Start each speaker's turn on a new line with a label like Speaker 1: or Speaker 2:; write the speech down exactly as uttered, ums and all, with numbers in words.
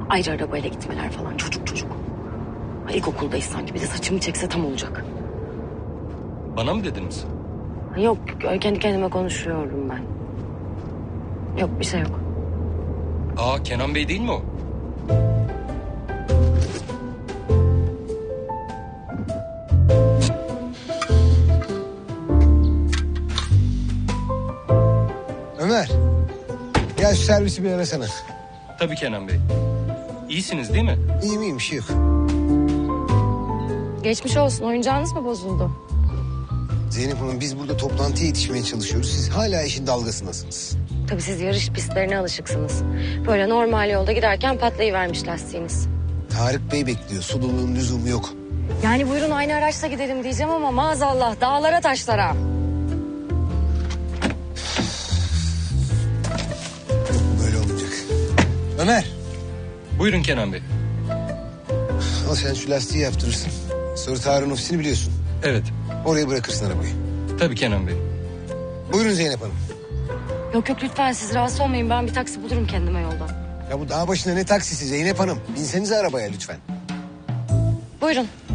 Speaker 1: Ayrı arabayla gitmeler falan çocuk çocuk. Ay, İlkokuldayız sanki, bir de saçımı çekse tam olacak.
Speaker 2: Bana mı dediniz?
Speaker 1: Ay, yok kendi kendime konuşuyorum ben. Yok bir şey yok.
Speaker 2: Aa, Kenan Bey değil mi o?
Speaker 3: Ömer. Gel şu servisi bir arasana.
Speaker 2: Tabii Kenan Bey. İyisiniz değil mi?
Speaker 3: İyiyim iyiyim bir şey yok.
Speaker 1: Geçmiş olsun, oyuncağınız mı bozuldu?
Speaker 3: Zeynep Hanım biz burada toplantıya yetişmeye çalışıyoruz. Siz hala işin dalgasındasınız.
Speaker 1: Tabii siz yarış pistlerine alışıksınız. Böyle normal yolda giderken patlayıvermiş lastiğiniz.
Speaker 3: Tarık Bey bekliyor. Sululuğun lüzumu yok.
Speaker 1: Yani buyurun aynı araçla gidelim diyeceğim ama maazallah dağlara taşlara.
Speaker 3: Böyle olmayacak. Ömer.
Speaker 2: Buyurun Kenan Bey.
Speaker 3: Al sen şu lastiği yaptırırsın. Sonra Tarık'ın ofisini biliyorsun.
Speaker 2: Evet.
Speaker 3: Oraya bırakırsın arabayı.
Speaker 2: Tabii Kenan Bey.
Speaker 3: Buyurun Zeynep Hanım.
Speaker 1: Yok yok lütfen siz rahatsız olmayın, ben bir taksi bulurum kendime yoldan.
Speaker 3: Ya bu dağ başında ne taksisi Zeynep Hanım? Binsenize arabaya lütfen.
Speaker 1: Buyurun.